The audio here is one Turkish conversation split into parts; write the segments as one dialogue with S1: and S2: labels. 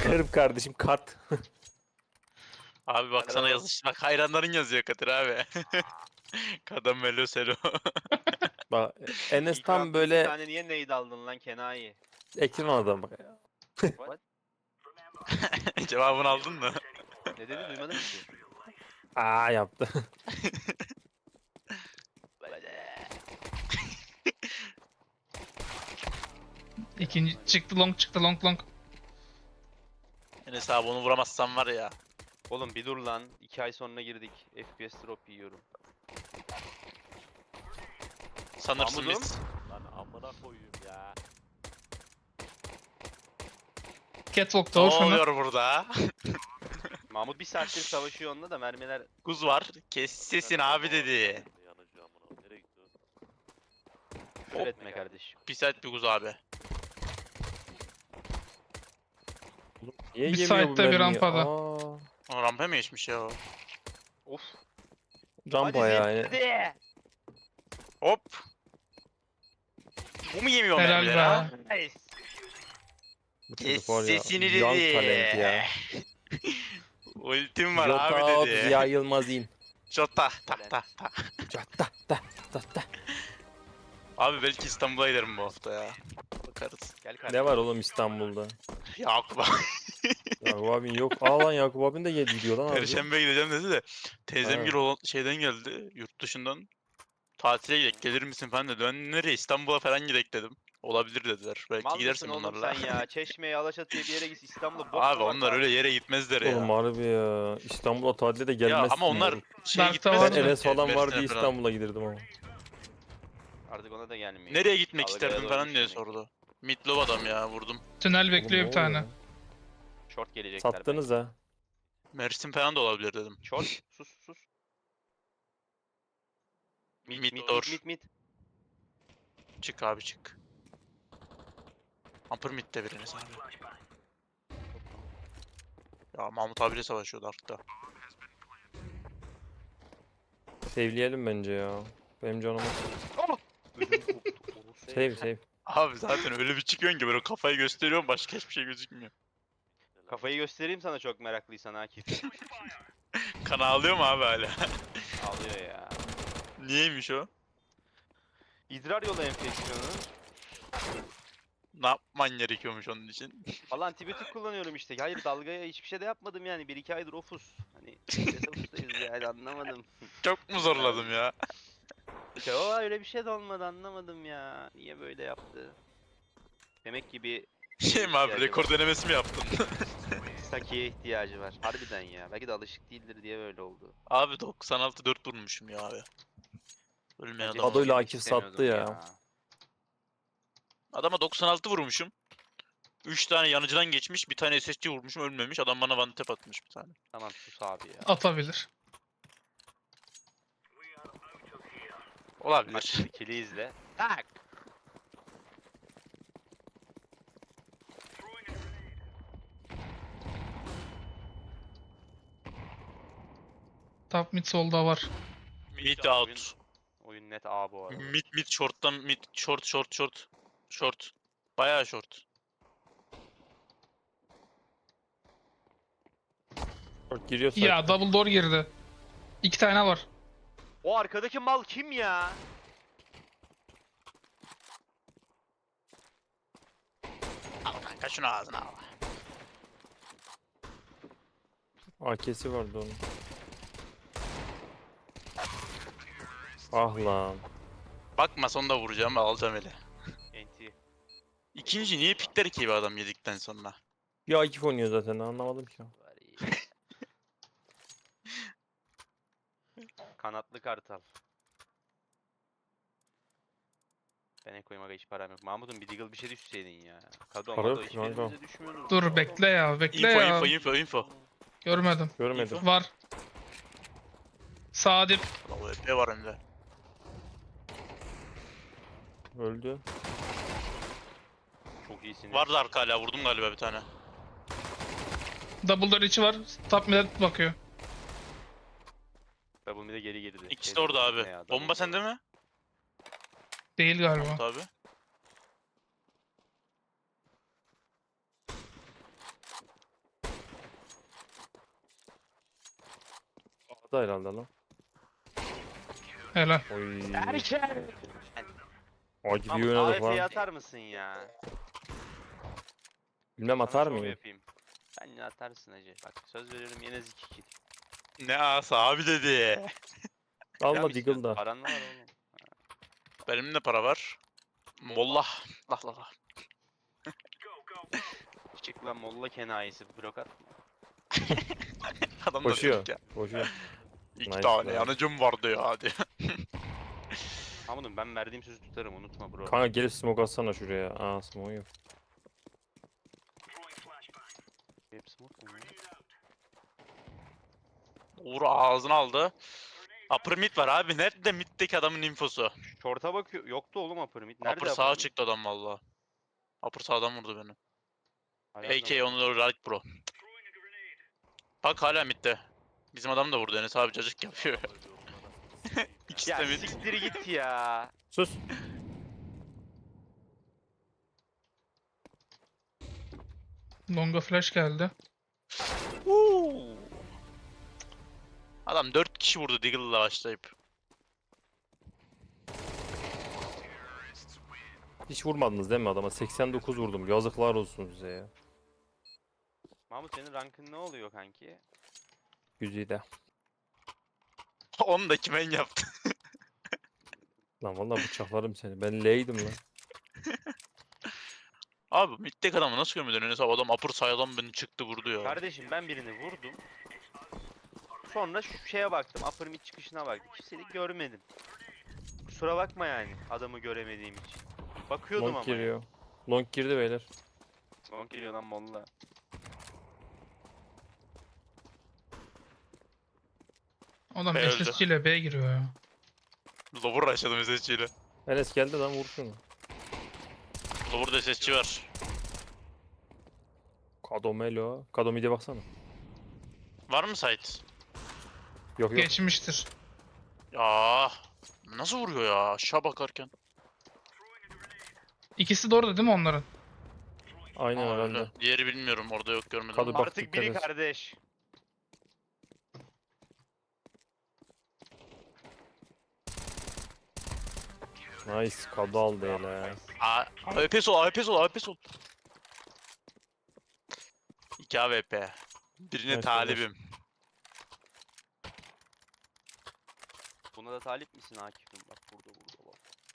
S1: Bakarım kardeşim kart.
S2: Abi bak sana yazış. Bak hayranların yazıyor Kadir abi. Kadın Melo Selo.
S1: Bak Enes
S3: İlk
S1: tam
S3: roundda
S1: böyle
S3: 2 tane niye nade aldın lan Kenayi?
S1: ekran adam bak.
S3: What?
S2: Cevabını aldın mı?
S3: Ne dedi duymadım ki.
S1: Aa yaptı.
S4: İkinci çıktı long long.
S2: Enes abi onu vuramazsan var ya.
S3: Oğlum bir dur lan. 2 ay sonra girdik. FPS drop yiyorum.
S2: Sanırsın
S3: Mahmudum.
S2: biz.
S5: Lan amına koyayım ya.
S4: Catwalk
S2: Ne
S4: doğu şunu.
S2: oluyor burada?
S3: Mahmut bir saattir savaşıyor onunla da mermiler
S2: Kuz var. Kes sesin abi dedi.
S5: Yanıcı amına. Nereye gitti o?
S3: küfür etme kardeşim.
S2: Pis et bir kuz abi.
S1: Niye
S4: Bir
S1: yemiyor bu
S4: site'de bir
S1: mermiyi?
S4: rampada.
S1: Aa,
S2: O rampa mı geçmiş ya o?
S3: Of.
S1: rampa
S3: Hadi
S1: yani.
S3: hadi.
S2: Hop. Bu mu yemiyor
S4: Helal
S2: mermileri
S4: be.
S2: ha?
S3: Nice.
S1: Bu
S2: Kes
S1: çocuk var ya,
S2: sesini
S1: young
S2: dedi.
S1: talent ya.
S2: Ultim var
S1: Jota
S2: abi
S1: out,
S2: dedi.
S1: Ziya Yılmaz in.
S2: Jota. Ta ta ta.
S1: Jota ta.
S2: Abi belki İstanbul'a giderim bu hafta ya. Bakarız.
S3: Gel kardeşim.
S1: Ne var oğlum İstanbul'da?
S2: Yakup abi.
S1: Yakup abin yok. Aa lan Yakup abin de gidiyor lan abi.
S2: Perşembe gideceğim dedi de. Teyzem
S1: Ha.
S2: bir şeyden geldi. Yurt dışından. Tatile gidelim gelir misin falan dedi. Ben nereye İstanbul'a falan gidelim dedim. Olabilir dediler. Belki
S3: Mal mısın
S2: gidersin
S3: oğlum
S2: onlarla.
S3: sen ya? Çeşme'ye, Alaçatı'ya bir yere git İstanbul'a. bok
S2: Abi
S3: mu var
S2: onlar öyle
S3: tatil?
S2: yere gitmezler ya.
S1: Oğlum harbi ya. İstanbul'a tatile de
S2: Ya
S1: gelmezsin.
S2: ama onlar
S1: oğlum.
S2: şeye
S4: Dark'ta
S2: gitmez.
S4: var
S1: Ben
S4: mı?
S1: Enes falan var
S2: Mersin'e
S1: diye
S2: falan.
S1: İstanbul'a giderdim ama.
S3: Artık ona da gelmiyor.
S2: Nereye gitmek
S3: Dalgaya
S2: isterdin falan
S3: doymuş
S2: diye
S3: demek.
S2: sordu. Midlov adam ya vurdum.
S4: Tünel
S1: Oğlum
S4: bekliyor
S1: ne
S4: bir tane.
S1: oluyor lan?
S3: Short gelecekler.
S1: Sattınız ha.
S2: Mersin falan da olabilir dedim.
S3: bence. Short. Sus.
S2: Mid
S3: Mid
S2: or.
S3: mid.
S2: Çık abi çık. Upper mid'de biriniz abi. Ya Mahmut abiyle savaşıyordu Ark'ta.
S1: Sevleyelim bence ya. Benim canıma.
S3: Ödüm koptu. Orospu.
S1: Save.
S2: Abi zaten öyle bir çıkıyorsun ki böyle kafayı gösteriyorum başka hiçbir şey gözükmüyor.
S3: Kafayı göstereyim sana çok meraklıysan Akif.
S2: Kan ağlıyor mu abi hala?
S3: Ağlıyor ya.
S2: Niyeymiş o?
S3: İdrar yolu enfeksiyonu.
S2: Ne yapman gerekiyormuş onun için?
S3: Valla antibiyotik kullanıyorum işte. Hayır dalgaya hiçbir şey de yapmadım yani. 1-2 aydır ofus. Hani ofustayız yani anlamadım.
S2: Çok mu zorladım ya?
S3: Yo öyle bir şey de olmadı anlamadım ya. Niye böyle yaptı? Demek ki bir
S2: Şey mi abi
S3: ihtiyacı
S2: rekor
S3: var.
S2: denemesi mi yaptın?
S3: Sakiye ihtiyacı var. Harbiden ya. Belki de alışık değildir diye böyle oldu.
S2: Abi 96-4 vurmuşum ya abi. Ölmeyen
S3: Bence
S2: adam.
S1: Adoyla
S3: demek
S1: Akif
S3: istemiyordum
S1: sattı ya.
S2: Adama 96 vurmuşum. 3 tane yanıcıdan geçmiş, bir tane SSC vurmuşum ölmemiş. Adam bana one tap atmış bir tane.
S3: Tamam sus abi ya.
S4: Atabilir.
S3: Bak
S2: Olabilir.
S3: şimdi kili izle. Tak.
S4: Top mid solda var.
S2: Mid out.
S3: Oyun net A bu arada.
S2: Mid short'tan mid short. Short. Bayağı short.
S1: Giriyor
S4: Ya
S1: site.
S4: double door girdi. 2 tane var.
S3: O arkadaki mal kim ya?
S2: Al kanka şunu ağzına al.
S1: AK'si vardı onun. Ah lan.
S2: Bakma sonunda vuracağım alacağım ele.
S3: NT.
S2: İkinci niye pikler ki bir adam yedikten sonra?
S1: Bir Akif oynuyor zaten anlamadım ki.
S3: Var iyi. Kanatlı kartal. Ben ekoyum aga hiç param yok. Mahmut'un bir deagle bir şey düşseydin ya. Kadro
S1: Para yok
S3: Mado
S1: ki kanka.
S3: hiçbirimize düşmüyordu.
S4: Dur bekle ya bekle
S2: Info.
S4: Görmedim.
S1: Görmedim.
S4: Var. Sağ dip.
S2: Bravo epey var hem de.
S1: Öldü.
S3: Çok iyisin.
S2: Vardı arka hala vurdum galiba bir tane.
S4: Double door içi var. Top mid'e bakıyor.
S3: Double mid'e geri girdi.
S2: İkisi de
S3: Şey
S2: orada
S3: double
S2: abi.
S3: mid ne ya,
S2: Bomba
S3: double
S2: sende
S3: door.
S2: mi?
S4: Değil galiba.
S2: Mahmut abi.
S1: Kapıda herhalde lan.
S4: Helal.
S1: Oy.
S3: Erken.
S1: Acı bir
S3: Mahmut
S1: oynadık
S3: AWP'yi
S1: lan.
S3: atar mısın ya?
S1: Bilmem
S3: Sana
S1: atar
S3: şov
S1: mıyım?
S3: yapayım. Bence atarsın hacı. Bak söz veriyorum yine zik kill.
S2: Ne asa abi dedi.
S1: Alma
S3: Devam istiyorsun,
S1: Deagle'da.
S3: Paran var oğlum.
S2: Benim de para var. Mollah. Lah lah lah.
S3: Çık lan molla kenayesi blok atma.
S2: Adam da
S1: Koşuyor.
S2: diyor ki,
S1: Koşuyor.
S2: İki
S1: Nice
S2: tane
S1: be.
S2: yanıcım vardı ya diyor.
S3: Mahmut'um ben verdiğim sözü tutarım unutma bro.
S1: Kanka gelip smoke atsana şuraya. Aa smoke yok.
S3: Hep smoke mu ya?
S2: Uğur ağzını aldı. Upper mid var abi. Nerede middeki adamın infosu?
S3: Short'a bakıyor. Yoktu oğlum upper mid. Nerede
S2: Upper sağa
S3: upper mid?
S2: çıktı adam valla. Upper sağdan vurdu beni.
S3: Hala
S2: AK
S3: da var.
S2: onu da right bro. Bak hala midde. Bizim adam da vurdu Enes abi cacık yapıyor. İkisi
S3: Ya
S2: de mid.
S3: siktir git ya.
S1: Sus.
S4: Longa flash geldi.
S2: Uuu. Adam 4 kişi vurdu Deagle'la başlayıp.
S1: Hiç vurmadınız değil mi adama? 89 vurdum. Yazıklar olsun size ya.
S3: Mahmut senin rankın ne oluyor kanki?
S1: Güzide.
S2: Onu da kimen yaptı.
S1: Lan vallahi bıçaklarım seni. Ben L'ydim lan.
S2: Abi middeki adamı nasıl görmedin Enes abi? Adam upper sağdan beni çıktı vurdu ya.
S3: Kardeşim ben birini vurdum. Sonra şu şeye baktım. Upper mid çıkışına baktım. Kimseyi görmedim. Kusura bakma yani adamı göremediğim için. Bakıyordum
S1: Long
S3: ama.
S1: giriyor. Long girdi beyler.
S3: Long geliyor lan molla.
S4: Adam
S2: B öldü.
S4: SSC ile B giriyor ya.
S2: Lower açalım SSC'yle.
S1: Enes geldi lan vur şunu.
S2: Lower'da SSC var.
S1: Kadomelo. Kadomi'de baksana.
S2: Var mı site?
S1: Yok yok.
S4: Geçmiştir.
S2: Ya nasıl vuruyor ya aşağı bakarken?
S4: İkisi de orada değil mi onların?
S1: Aynen
S2: Aa,
S1: herhalde.
S2: öyle. Diğeri bilmiyorum orada yok görmedim.
S1: Kadı
S2: ama.
S1: bak,
S3: Artık
S1: dikkat
S3: biri
S1: et.
S3: kardeş.
S1: Nice. Kado aldı hele.
S2: AWP sol AWP sol AWP sol. 2 AWP. Birine
S1: Evet,
S2: talibim.
S3: Buna da talip misin Akif'im? Bak burada bak.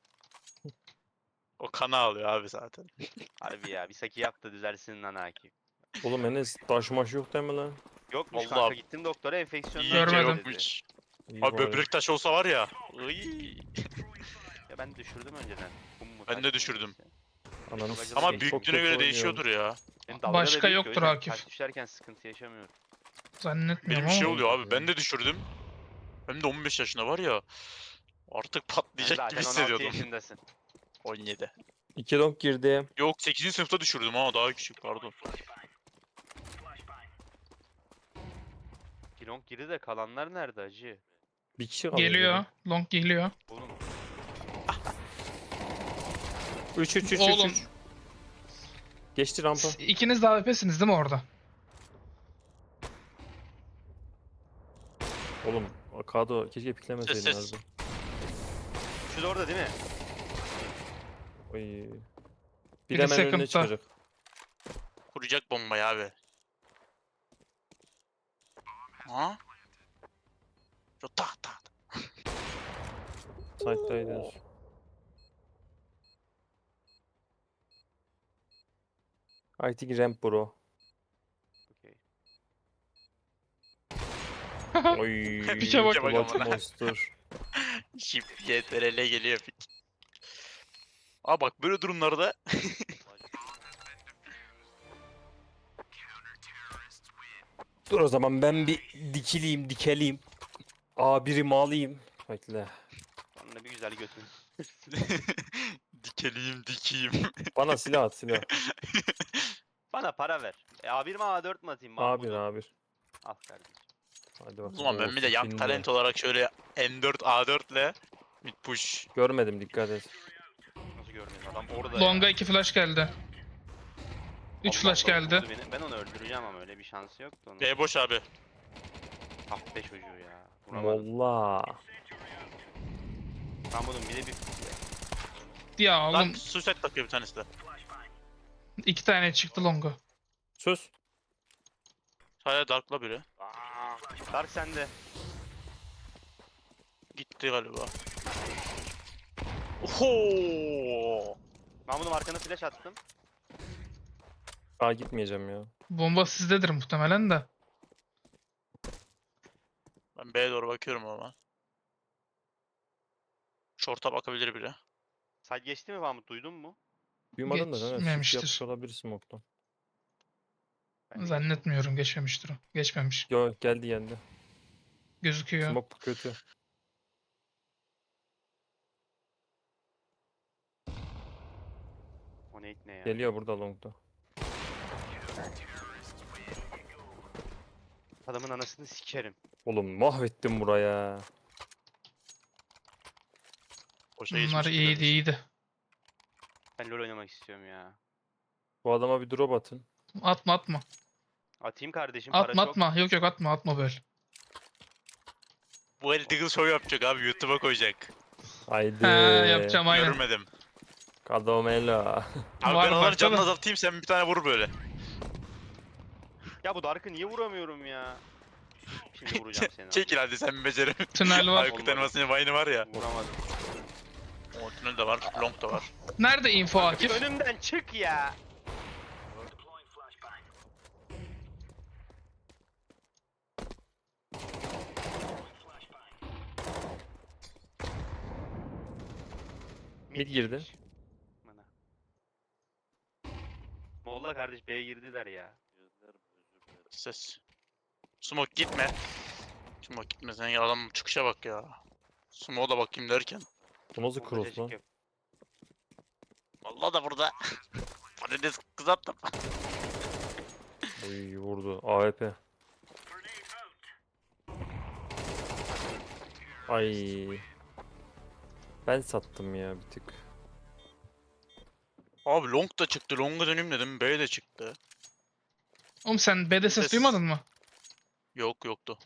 S2: O kana alıyor abi zaten.
S3: Harbi ya bir saki yap da düzelsin lan Akif.
S1: Oğlum Enes taş maş yok değil mi lan?
S3: Yokmuş
S2: Vallahi-
S3: kanka gittim doktora enfeksiyondan
S2: İyice
S4: Görmedim.
S3: dedi.
S2: yokmuş.
S1: İyi
S2: Abi
S1: bari.
S2: böbrek taşı olsa var ya. Iy.
S3: Ya ben düşürdüm önceden. Kum mu
S2: Ben
S3: taş
S2: de
S3: mı
S2: düşürdüm.
S3: neyse.
S1: Ananı
S3: Ama
S1: sikeyim,
S2: Ama
S1: çok
S2: büyüklüğüne
S1: kötü
S2: göre
S1: oynuyorum.
S2: değişiyordur ya.
S3: Benim dalga da
S4: Başka
S3: büyük, o
S4: yoktur
S3: yüzden
S4: Akif.
S3: taş düşerken sıkıntı yaşamıyorum.
S4: Zannetmiyorum
S2: Benim
S4: ama.
S2: şey oluyor abi ben de düşürdüm. Hem de 15 yaşında var ya. Artık
S3: Sen
S2: patlayacak
S3: zaten
S2: gibi
S3: 16
S2: hissediyordum.
S3: yaşındasın.
S2: 17.
S1: 2 long girdi.
S2: Yok 8. sınıfta düşürdüm ama daha küçük pardon.
S3: Kilong girdi de kalanlar nerede acı?
S1: Bir kişi kaldı.
S4: Geliyor. Long geliyor.
S3: Oğlum
S1: 3 3 3
S4: Oğlum.
S1: 3. Geçti rampa.
S4: İkiniz de AWP'siniz değil mi orada?
S1: Oğlum Kado keşke piklemeseydin
S2: Ses.
S1: abi.
S3: şu da orada değil mi?
S1: Oy. Bir
S4: Biri
S1: hemen önüne
S4: second'da.
S1: çıkacak.
S2: Kuracak bombayı abi. Ha? Şu tak tak.
S1: Side'daydınız. I think ramp bro.
S3: Okey.
S1: Oy.
S4: Pike bak.
S1: Clutch
S2: amına.
S1: monster.
S2: Şip YTRL geliyor pik. Aa bak böyle durumlarda
S1: Dur o zaman ben bir dikeleyim. A1'imi alayım. Bekle.
S3: Sonra bir güzel götün.
S2: dikeyim.
S1: Bana silah at silah.
S3: Bana para ver. A1 mi A4 mi atayım
S1: A1
S3: Mahmut'um?
S1: A1.
S3: Al kardeşim.
S1: Hadi
S2: O
S1: bakalım.
S2: zaman ben bir de yan
S1: Şimdi.
S2: talent olarak şöyle M4 A4 ile mid push.
S1: Görmedim dikkat et.
S3: Nasıl görmedin adam orada
S4: Long'a
S3: ya.
S4: 2 flash geldi. 3
S3: Allah
S4: flash
S3: Allah,
S4: geldi.
S3: vurdu beni. Ben onu öldüreceğim ama öyle bir şansı yoktu onun.
S2: B boş abi.
S3: Ah be çocuğu ya. Vuramadım.
S1: Molla.
S3: Mahmut'un bir de bir...
S4: Ya
S2: Lan
S4: oğlum
S2: suicide takıyor bir tanesi de.
S4: 2 tane çıktı longu.
S1: Sus.
S2: Hala Dark'la biri.
S3: Dark sende.
S2: Gitti galiba. Oho!
S3: Mahmut'um arkana flash attım.
S1: Daha gitmeyeceğim ya.
S4: Bomba sizdedir muhtemelen de.
S2: Ben B'ye doğru bakıyorum ama. Short'a bakabilir biri.
S3: Side geçti mi Mahmut, duydun mu?
S1: Duymadım da kanka. Shift
S4: Geçmemiştir.
S1: yapmış olabilir smoke'tan.
S3: Ben de
S4: Zannetmiyorum geçmemiştir o. Geçmemiş.
S1: Yo geldi geldi.
S4: Gözüküyor.
S1: Smoke kötü.
S3: O nade ne ya?
S1: Geliyor burada long'da.
S3: Adamın anasını sikerim.
S1: Oğlum mahvettim buraya.
S2: Boşa
S4: Bunlar
S2: geçmiş
S4: iyiydi
S2: biraz.
S4: iyiydi.
S3: Ben LoL oynamak istiyorum ya.
S1: Bu adama bir drop atın.
S4: Atma atma.
S3: Atayım kardeşim, para
S4: Atma
S3: çok.
S4: atma. Yok yok atma böyle.
S2: Bu el Diggle Show yapacak abi. YouTube'a koyacak.
S1: Haydi.
S4: He yapacağım aynen.
S2: Görmedim.
S1: Kadomela.
S2: Abi
S4: Var,
S2: ben
S4: var,
S2: onların canını
S4: tabii.
S2: azaltayım sen bir tane vur böyle.
S3: Ya bu Dark'ı niye vuramıyorum ya? Şimdi vuracağım seni.
S2: Çekil hadi sen beceremiyorsun.
S4: Tünel var.
S2: Aykut Elmas'ın Vine'ı var ya.
S3: Vuramadım.
S2: O tünel de var. Long da var.
S4: Nerede info Akif?
S3: Önümden çık ya.
S1: Mid girdi.
S3: girmiş. Bana. Molla kardeş B'ye girdiler ya.
S5: Gözlerim özür dilerim.
S2: Ses. Smoke gitme. Smoke gitme sen ya adam çıkışa bak ya. Smoke'a da bakayım derken.
S1: Bu nasıl
S3: Molla
S1: cross
S3: cacık
S1: lan?
S3: yap.
S2: Vallahi da burada. Patates kızarttım.
S1: Oy vurdu. AWP. Ay. Ben sattım ya bir tık.
S2: Abi long da çıktı. Long'a döneyim dedim. B de çıktı.
S4: Oğlum sen B'de ses
S2: Ses.
S4: duymadın mı?
S2: Yok yoktu.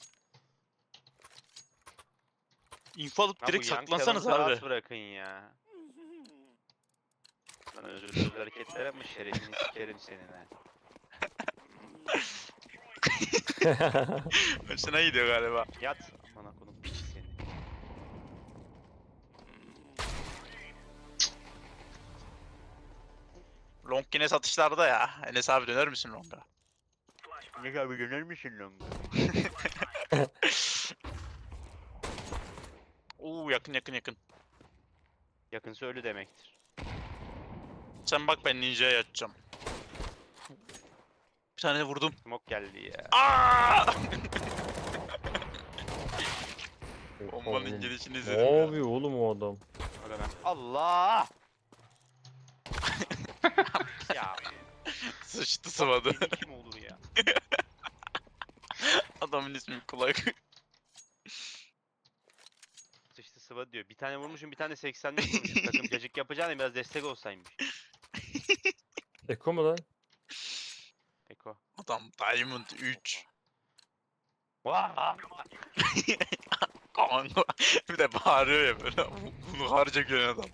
S2: İnfo alıp
S3: Ya
S2: direkt
S3: bu Young
S2: saklansanız
S3: Talent'ı
S2: abi.
S3: rahat bırakın ya. Lan özür hareketler yapma, şerefini sikerim senin ha.
S2: Hoşuna gidiyor galiba.
S3: Yat. Bana kodum piç seni.
S2: Long yine satışlarda ya. Enes abi döner misin Long'a?
S3: Ne abi döner misin lan?
S2: Oo yakın yakın yakın.
S3: Yakınsa ölü demektir.
S2: Sen bak ben ninja'ya yatacağım. Bir tane vurdum.
S3: Smoke geldi ya.
S2: Aa!
S1: Oha
S2: Bombanın
S1: oğlum.
S2: gelişini
S1: Ne
S2: izledim ya.
S1: yapıyor oğlum o adam?
S3: Aga ben. Allah! ya
S2: Sıçtı sıvadı.
S3: bok yedi kim olur ya?
S2: Adamın ismi kulak.
S3: Sıçtı sıva diyor. Bir tane vurmuşum, bir tane 80'de vurmuşum. Takım cacık yapacağını biraz destek olsaymış.
S1: Eko mu lan?
S3: Eko.
S2: Adam Diamond 3.
S3: Vaa!
S2: Kanka. Bir de bağırıyor ya böyle. Bunu harca gören adam.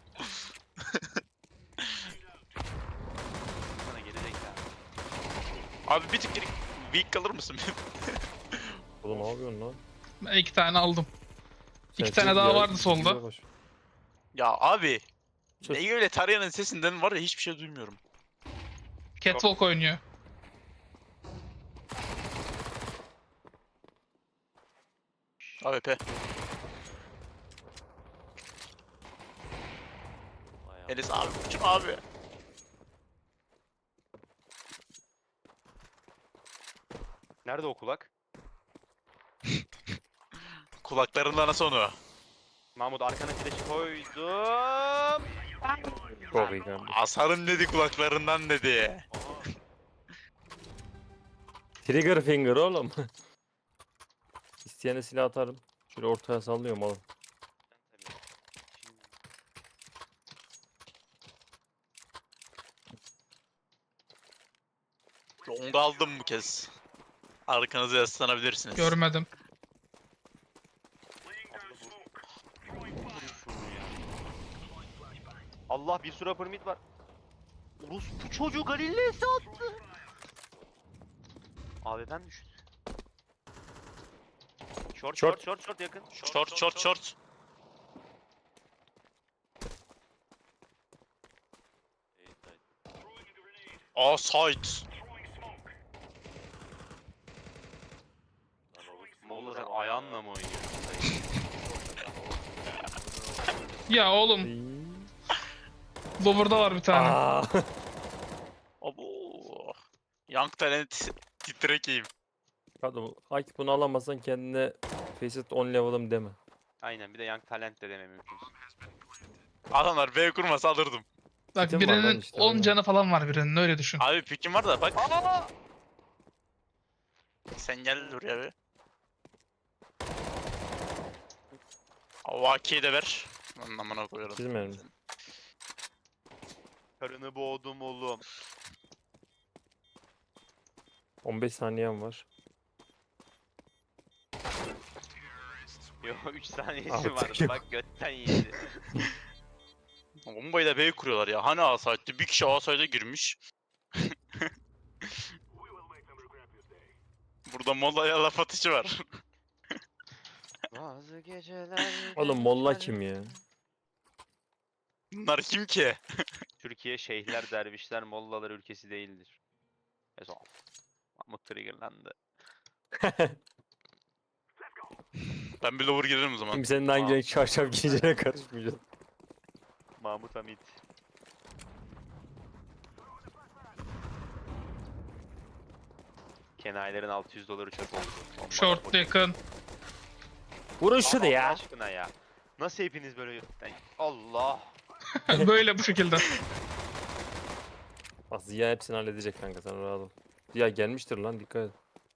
S3: Bana geri zekalı.
S2: Abi bir tık geri weak kalır mısın?
S1: Oğlum ne yapıyorsun lan?
S4: Ben 2 tane aldım. İki
S1: Sen
S4: tane
S1: çok
S4: daha
S1: ya-
S4: vardı solda.
S1: güzel baş-
S2: Ya abi.
S1: Sus.
S2: Ne öyle Tarayan'ın sesinden var ya hiçbir şey duymuyorum.
S4: Catwalk oynuyor.
S2: AWP.
S5: Ayağım.
S2: Enes abi uçum abi.
S3: Nerede o kulak?
S2: Kulaklarından nasıl onu?
S3: Mahmut arkana flash koydum.
S1: Çok iyi kardeşim.
S2: Asarım dedi kulaklarından dedi.
S1: Trigger finger oğlum. İsteyene silah atarım. Şöyle ortaya sallıyorum oğlum.
S2: Long aldım bu kez. Arkanıza yaslanabilirsiniz.
S4: Görmedim.
S3: Allah bir sürü upper mid var. Orospu çocuğu Galileo attı. AWP'm düştü. Short
S1: Short.
S3: short yakın.
S2: Short.
S5: Eğitim.
S2: Aa site.
S5: Lan o
S3: Molla sen ayağınla mı oynuyorsun?
S4: Ya oğlum
S1: İyi.
S4: Lower'da var bir tane.
S1: Aa.
S2: Abo. Young Talent titrekeyim.
S1: Kadın, Akif bunu alamazsan kendine Faceit 10 level'ım deme.
S3: Aynen bir de Young Talent de deme mümkünse.
S2: Adamlar B kurmasa alırdım.
S4: Bak
S1: Kitim var lan
S4: birinin
S1: işte,
S4: 10
S1: aynen.
S4: canı falan var birinin öyle düşün.
S2: Abi pikim var da bak.
S3: Aa!
S2: Sen gel buraya bir. Avaki'yi de ver. Lan amına koyarım.
S1: Çizmeyelim.
S3: Karını boğdum oğlum.
S1: 15 saniyem var.
S3: Yo 3 saniyesi
S1: Artık
S3: vardı
S1: yok.
S3: bak götten yedi.
S2: Bombayı da B kuruyorlar ya. Hani A site'di? Bir kişi A site'e girmiş. Burada Molla'ya laf atışı var.
S3: Bazı geceler...
S1: Oğlum Molla kim ya?
S2: Bunlar kim ki?
S3: Türkiye şeyhler, dervişler, mollalar ülkesi değildir. Mesela Mahmut triggerlandı.
S2: Ben bir lower girerim o zaman.
S1: Şimdi senin hangi
S3: Aa.
S1: renk çarşaf giyeceğine karışmayacağız.
S3: Mahmut Hamit. Kenayların $600 çöp oldu. Bombalar
S4: Short
S3: boşa-
S4: yakın.
S1: Vurun şunu
S3: Allah
S1: ya.
S3: aşkına ya. Nasıl hepiniz böyle... Allah.
S4: Böyle bu şekilde.
S1: Bak Ziya hepsini halledecek kanka, sen rahat ol. Ziya gelmiştir lan, dikkat et.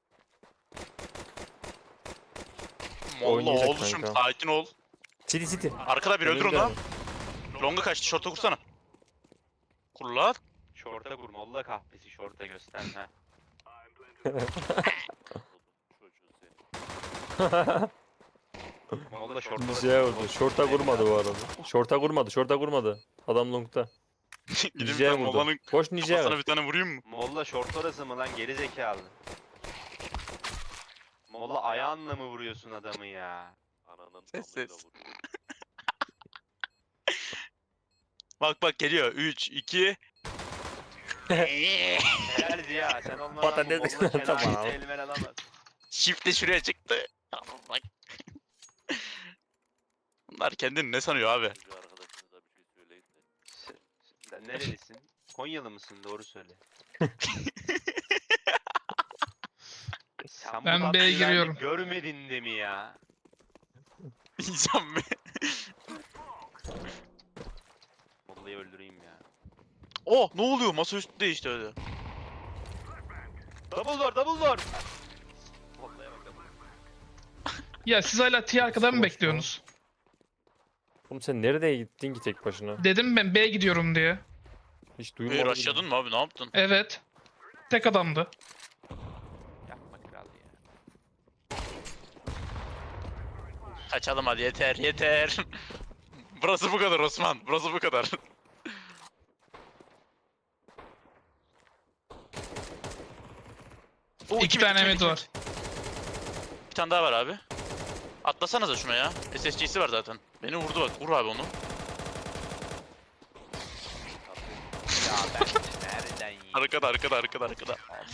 S2: Molla
S1: Oynayacak
S2: oğluşum
S1: kanka.
S2: sakin ol.
S1: City.
S2: Arkada bir öldür
S1: Önünde.
S2: onu. Longa kaçtı. Short'a kursana. Kur lan.
S3: Şorta kur, molla kahvesi şorta göster ha.
S5: çocuğu senin.
S3: Molla şorta
S1: Ninja'ya vurdu. Şorta vurmadı bu arada. Şorta vurmadı. Adam longta.
S2: Gideyim
S1: Ninja'ya
S2: ben
S1: vurdu.
S2: Molla'nın
S1: Koş Ninja'ya
S2: kafasına
S1: ver.
S2: bir tane vurayım mı?
S3: Molla şort orası mı lan geri zekalı? Molla ayağınla mı vuruyorsun adamı ya?
S5: Ananın
S2: Ses,
S5: amıyla
S2: ses.
S5: vur.
S2: Bak geliyor. 3, 2.
S3: Helal Ziya sen olmadan bu
S1: Patates-
S3: Molla
S1: Tamam.
S3: kenarını elmen alamaz.
S2: Shift de şuraya çıktı. Tamam bak. Bunlar kendini ne sanıyor abi?
S5: Çocuğu arkadaşınıza bir şey söyleyin de.
S3: Sen nerelisin? Konyalı mısın? Doğru söyle. Sen bu
S4: Ben B'ye
S3: tatlıyı
S4: giriyorum.
S3: Görmedin de mi ya?
S2: İnsan mı?
S3: Molla'yı öldüreyim ya.
S2: Oh ne oluyor? Masa üstünde işte öyle.
S3: Double door! Molla'ya bak double.
S4: Ya siz hala T arkada mı
S1: Boş
S4: bekliyorsunuz?
S1: Oğlum sen nereye gittin ki tek başına?
S4: Dedim ben B'ye gidiyorum diye.
S1: Hiç duymadım.
S2: Rushladın mı abi? Ne yaptın?
S4: Evet. Tek adamdı.
S3: Yapma kral ya.
S2: Kaçalım hadi yeter. Burası bu kadar Osman. Burası bu kadar. Oo,
S4: İki tane mid var.
S2: Bir tane daha var abi. Atlasanıza şuna ya. SSG'si var zaten. Beni vurdu bak. Vur abi onu.
S3: Ya ben nereden yiyeyim?
S2: Arkada.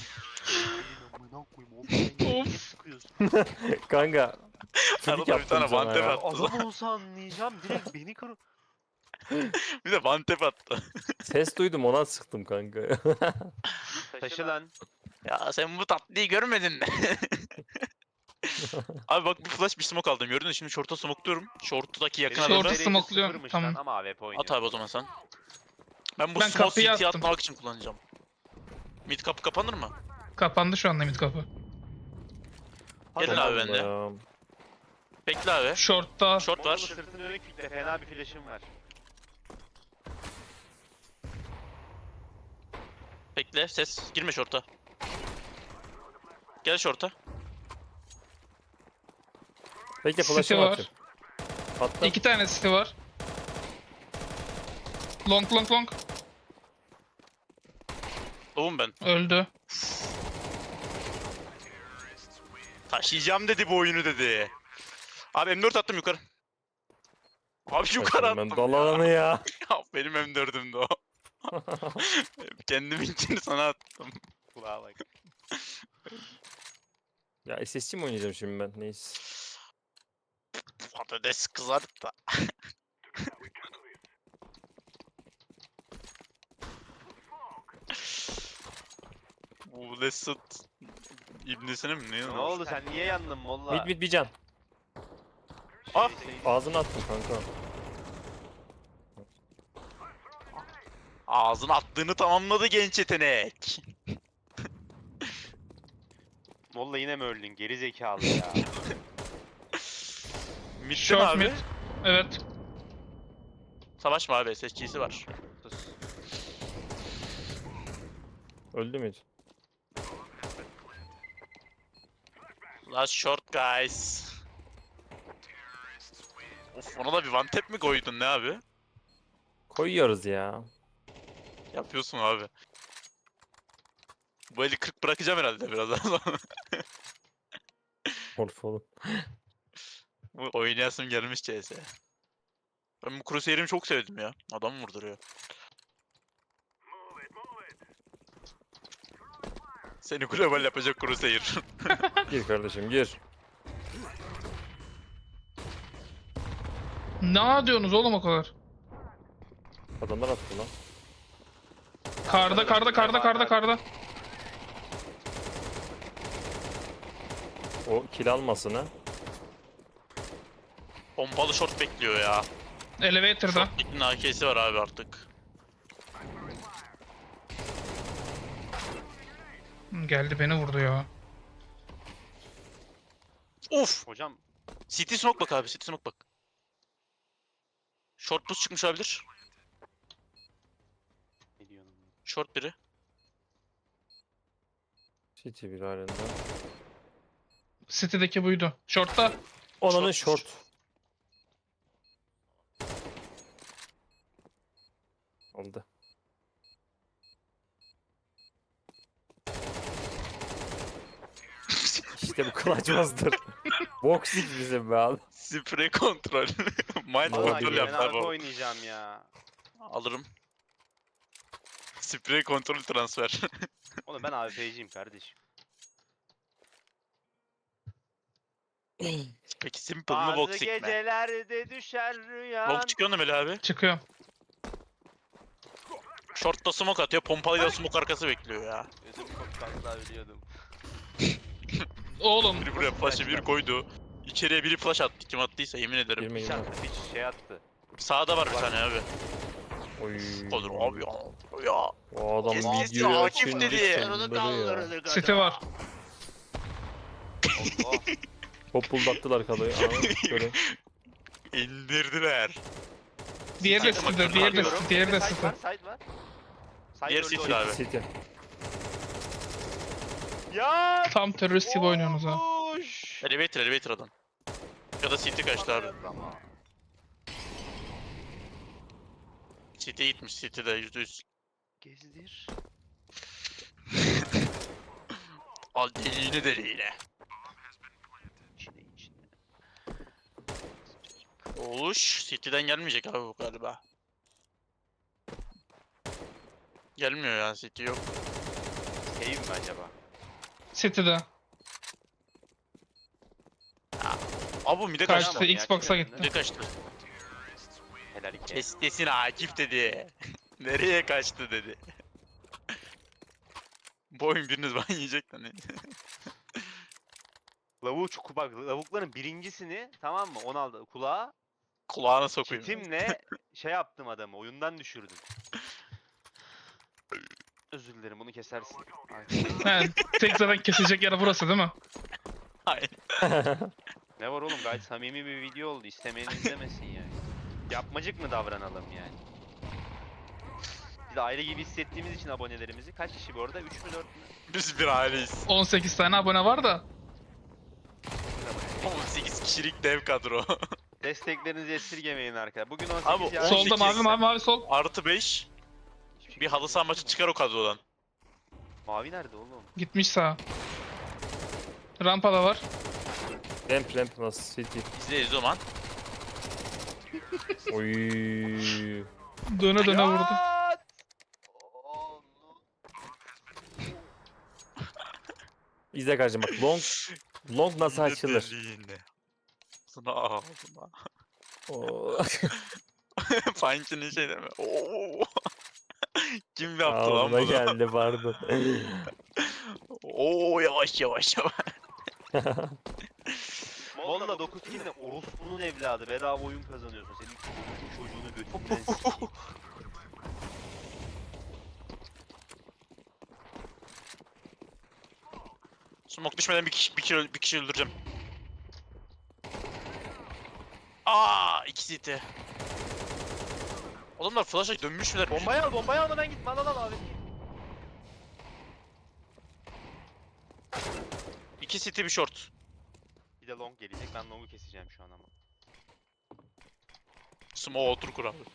S4: Of.
S1: Kanka. Flick
S2: Arada bir tane
S1: yaptım sana
S2: one tap
S1: ya.
S2: attı.
S3: Adam olsa anlayacağım direkt beni kır.
S2: Bir de one tap attı.
S1: Ses duydum, ona sıktım kanka.
S3: Taşı lan.
S2: Ya sen bu tatlıyı görmedin mi? Abi bak bir flash bir smoke aldım. Gördün mü? Şimdi short'a smokluyorum. Short'taki yakın
S4: Short'u
S2: adamı.
S3: Derecesi
S4: smokluyorum,
S3: sıfırmış
S4: tamam.
S3: lan Ama AWP oynuyor.
S2: At abi o zaman sen. Ben bu
S4: Ben
S2: smoke
S4: kapıyı
S2: CT
S4: attım.
S2: atmak için kullanacağım. Mid kapı kapanır mı?
S4: Kapandı şu anda mid kapı.
S3: Hadi
S2: Gelin
S3: lan.
S2: abi bende.
S1: Ya.
S2: Bekle abi.
S4: Short'ta.
S2: Short
S3: Mollalı
S2: var.
S3: sırtını dönük kitle. Fena bir flash'ım var.
S2: Bekle ses. Girme short'a. Gel short'a.
S1: Bekle
S4: City
S1: flash'ımı
S4: var.
S1: atayım. Attım.
S4: 2 tane city var. Long long long.
S2: Doğum ben.
S4: Öldü.
S2: Taşıyacağım dedi bu oyunu dedi. Abi M4 attım yukarı. Abi yukarı
S1: Kaçın ben
S2: attım
S1: dalanı ya.
S2: ya. Benim M4'ümdü o. Kendiminkini sana attım. Kulağa bak.
S1: Ya SSC mi oynayacağım şimdi ben? Neyse.
S2: Patates kızarıp da. Bu Lestat İbnesine mi ne?
S3: Ne oldu sen niye yandın molla?
S1: Mid mid bir can.
S2: Ah!
S1: Ağzını attım kanka.
S2: Ağzına attığını tamamladı genç yetenek.
S3: Molla yine mi öldün? Geri zekalı ya.
S2: Mid'de mi
S4: Short
S2: abi?
S4: mid. Evet.
S2: Savaşma abi SSG'si var.
S3: Sus.
S1: Öldü mü?
S2: Last short guys. Of ona da bir one tap mi koydun ne abi?
S1: Koyuyoruz ya.
S2: Yapıyorsun abi. Bu eli 40 bırakacağım herhalde birazdan sonra.
S1: Morf oğlum.
S2: Bu oynayasım gelmiş CS. Ben bu Crusader'imi çok sevdim ya. Adam vurduruyor. Seni global yapacak Crusader.
S1: Gir kardeşim gir.
S4: Ne diyorsunuz oğlum o kadar?
S1: Adamlar attı lan.
S4: Karda.
S1: O kill almasın ha.
S2: Pompalı short bekliyor ya.
S4: Elevator'da.
S2: Short'un AK'si var abi artık.
S4: Geldi beni vurdu ya.
S2: Of!
S3: Hocam
S2: City smoke bak abi, City smoke bak. Short boost çıkmış olabilir.
S3: ne diyorsun?
S2: Short biri.
S1: City bir halinde.
S4: City'deki buydu. Short'ta.
S1: Onanın
S2: Short.
S1: short. Oldu. İşte bu kılacımızdır. Boxing bizim be abi.
S2: Sprey kontrol. Mind
S1: Vallahi
S3: Vallahi
S2: kontrol
S3: ben
S2: yaptı
S3: arka
S2: abi. o.
S3: oynayacağım ya.
S2: Alırım. Sprey kontrol transfer.
S3: Oğlum ben AWP'ciyim kardeşim.
S2: Peki simple mı
S3: Bazı
S2: boxing mi?
S3: gecelerde düşer rüyan.
S2: Long çıkıyor mu Melih abi?
S4: Çıkıyorum.
S2: Short'ta smoke atıyor, pompalıyla smoke arkası bekliyor ya.
S3: Ödüm koptu asla ölüyordum.
S4: Oğlum.
S2: Biri buraya flash'ı bir koydu. İçeriye biri flash attı. Kim attıysa yemin ederim.
S1: Girme
S3: Hiç
S1: girme.
S3: attı hiç şey attı.
S2: Sağda var bir tane abi.
S1: Oy.
S2: Olur abi ya. Ya.
S1: O adam
S2: Kes
S1: videoyu
S2: Akif
S1: açınca
S2: dedi.
S1: çıldırıyor.
S4: City var.
S3: Allah.
S1: Hop buldaktılar kadayı. Aa, şöyle.
S2: İndirdiler.
S4: Diğeri de
S2: Site'e
S4: City'de.
S2: bakıyorum,
S4: Diğeri de
S2: bakıyorum.
S4: City. Diğeri de
S3: Side
S4: City.
S3: var, side var. Side
S2: Diğer
S3: öldü
S2: City
S3: oyun.
S2: abi.
S1: City.
S3: Ya!
S4: Tam terörist gibi oynuyorsunuz ha.
S3: Olmuş.
S2: Elevator adam. Ya da City kaçtı abi.
S3: Ama
S2: City gitmiş, City'de %100.
S3: gezdir.
S2: Al deliğine.
S3: İçine.
S2: Oluş, City'den gelmeyecek abi bu galiba. Gelmiyor ya, City yok.
S3: Save mi acaba?
S4: City'de.
S2: Abi bu mide
S4: Kaçtı.
S2: kaçtı.
S4: Xbox'a gitti.
S2: Mide kaçtı.
S3: Helal iki.
S2: Kestesin Akif dedi. Nereye kaçtı dedi. Bu oyun biriniz ban yiyecek lan.
S3: Lavuğu çok bak lavukların birincisini tamam mı 16 kulağa
S2: Kulağına sokayım.
S3: çitimle şey yaptım adamı oyundan düşürdüm. Özür dilerim bunu kesersin. Ay.
S4: He, tek zaten kesecek yer burası değil mi?
S2: Hayır.
S3: Ne var oğlum gayet samimi bir video oldu istemeyen izlemesin yani. Yapmacık mı davranalım yani? Biz de aile gibi hissettiğimiz için abonelerimizi kaç kişi bu arada 3 mü 4 mü?
S2: Biz bir aileyiz.
S4: 18 tane abone var da.
S2: 18 kişilik dev kadro.
S3: Desteklerinizi esirgemeyin arkadaşlar. Bugün 18
S2: Abi,
S3: yarın
S2: Solda
S4: Solda
S2: 18
S4: mavi mavi sol.
S2: Artı 5.
S3: hiçbir şey
S2: Bir halı saha maçı çıkar o kadrodan.
S3: Mavi nerede oğlum?
S4: Gitmiş sağa. Rampada var.
S1: Ramp nasıl city.
S2: İzle o zaman.
S1: Oy.
S4: Döne döne vurdu.
S3: Hayat!
S1: İzle kardeşim bak long nasıl açılır.
S2: Deliğine. Sana ağzına.
S1: Oo.
S2: Punch'ın şey deme. Oo. Kim yaptı lan
S1: Ağzıma
S2: bunu?
S1: geldi pardon.
S2: Oo yavaş yavaş yavaş.
S3: Molla 9 kill ne? Orospu'nun evladı. Bedava oyun kazanıyorsun. Senin çocuğunu götünden sikeyim.
S2: Smoke düşmeden bir kişi öldüreceğim. Aa, iki CT. Adamlar flash'a dönmüşler.
S3: Bombayı almadan gitme. Al abi.
S2: İki CT bir short.
S3: Bir de long gelecek. Ben long'u keseceğim şu an ama.
S2: Smoke otur kur abi.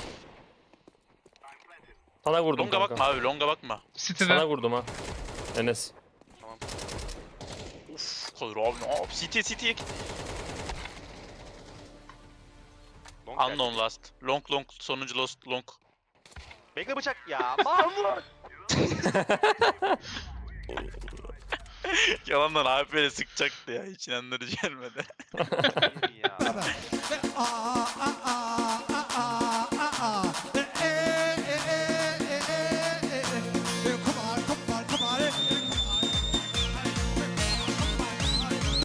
S1: Sana vurdum
S2: Longa
S1: kanka.
S2: bakma abi, longa bakma.
S4: City'de.
S1: Sana vurdum ha. Enes.
S3: Tamam.
S2: Uf, kalır abi. Aa, CT.
S3: Long geldi.
S2: Unknown last. Long sonuncu lost long.
S3: Bekle bıçak. Ya Mahmut.
S2: Yalandan abi böyle sıkacaktı ya. Hiç inandırıcı gelmedi.
S3: Hayır ya.